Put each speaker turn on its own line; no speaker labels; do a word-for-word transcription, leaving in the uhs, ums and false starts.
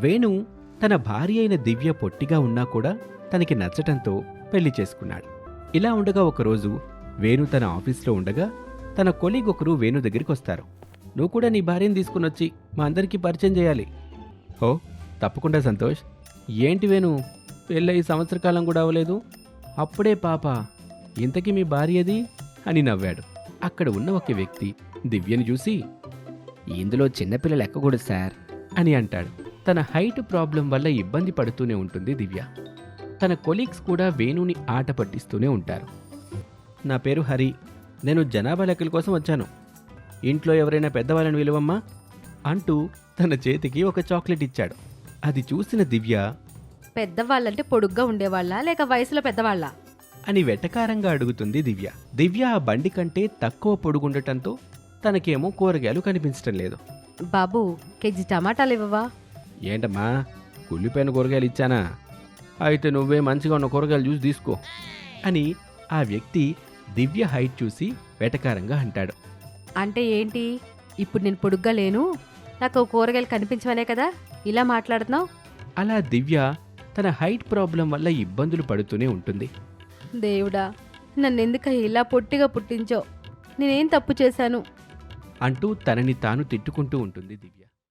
వేణు తన భార్య అయిన దివ్య పొట్టిగా ఉన్నా కూడా తనకి నచ్చటంతో పెళ్లి చేసుకున్నాడు. ఇలా ఉండగా ఒకరోజు వేణు తన ఆఫీస్లో ఉండగా తన కొలీగ్ ఒకరు వేణు దగ్గరికి వస్తారు. నువ్వు కూడా నీ భార్యను తీసుకునొచ్చి మా అందరికీ పరిచయం చేయాలి. ఓ తప్పకుండా సంతోష్. ఏంటి వేణు, పెళ్ళయి సంవత్సర కాలం కూడా అవ్వలేదు, అప్పుడే పాప, ఇంతకీ మీ భార్యది అని నవ్వాడు. అక్కడ ఉన్న ఒక వ్యక్తి దివ్యని చూసి, ఇందులో చిన్నపిల్లలు ఎక్కకూడదు సార్ అని అంటాడు. తన హైట్ ప్రాబ్లం వల్ల ఇబ్బంది పడుతూనే ఉంటుంది దివ్య. తన కొలీగ్స్ కూడా వేణుని ఆట పట్టిస్తూనే ఉంటారు. నా పేరు హరి, నేను జనాభా లెక్కల కోసం వచ్చాను. ఇంట్లో ఎవరైనా పెద్దవాళ్ళని విలువమ్మా అంటూ తన చేతికి ఒక చాక్లెట్ ఇచ్చాడు. అది చూసిన దివ్య,
పెద్దవాళ్ళంటే పొడుగ్గా ఉండేవాళ్ళ లేక వయసులో పెద్దవాళ్ళ
అని వెటకారంగా అడుగుతుంది దివ్య. దివ్య ఆ బండి కంటే తక్కువ పొడుగుండటంతో తనకేమో కూరగాయలు కనిపించటం లేదు.
బాబు, కేజీ టమాటాలు ఇవ్వవా?
ఏంటమ్మా, కుళ్ళిపోయిన కూరగాయలు ఇచ్చానా? అయితే నువ్వే మంచిగా ఉన్న కూరగాయలు చూసి తీసుకో అని ఆ వ్యక్తి దివ్య హైట్ చూసి వెటకారంగా అంటాడు.
అంటే ఏంటి, ఇప్పుడు నేను పొడుగ్గా లేను, నాకు కూరగాయలు కనిపించవనే కదా ఇలా మాట్లాడుతున్నావు?
అలా దివ్య తన హైట్ ప్రాబ్లం వల్ల ఇబ్బందులు పడుతూనే ఉంటుంది.
దేవుడా, నన్నెందుక ఇలా పొట్టిగా పుట్టించో, నేనేం తప్పు చేశాను
అంటూ తనని తాను తిట్టుకుంటూ ఉంటుంది దివ్య.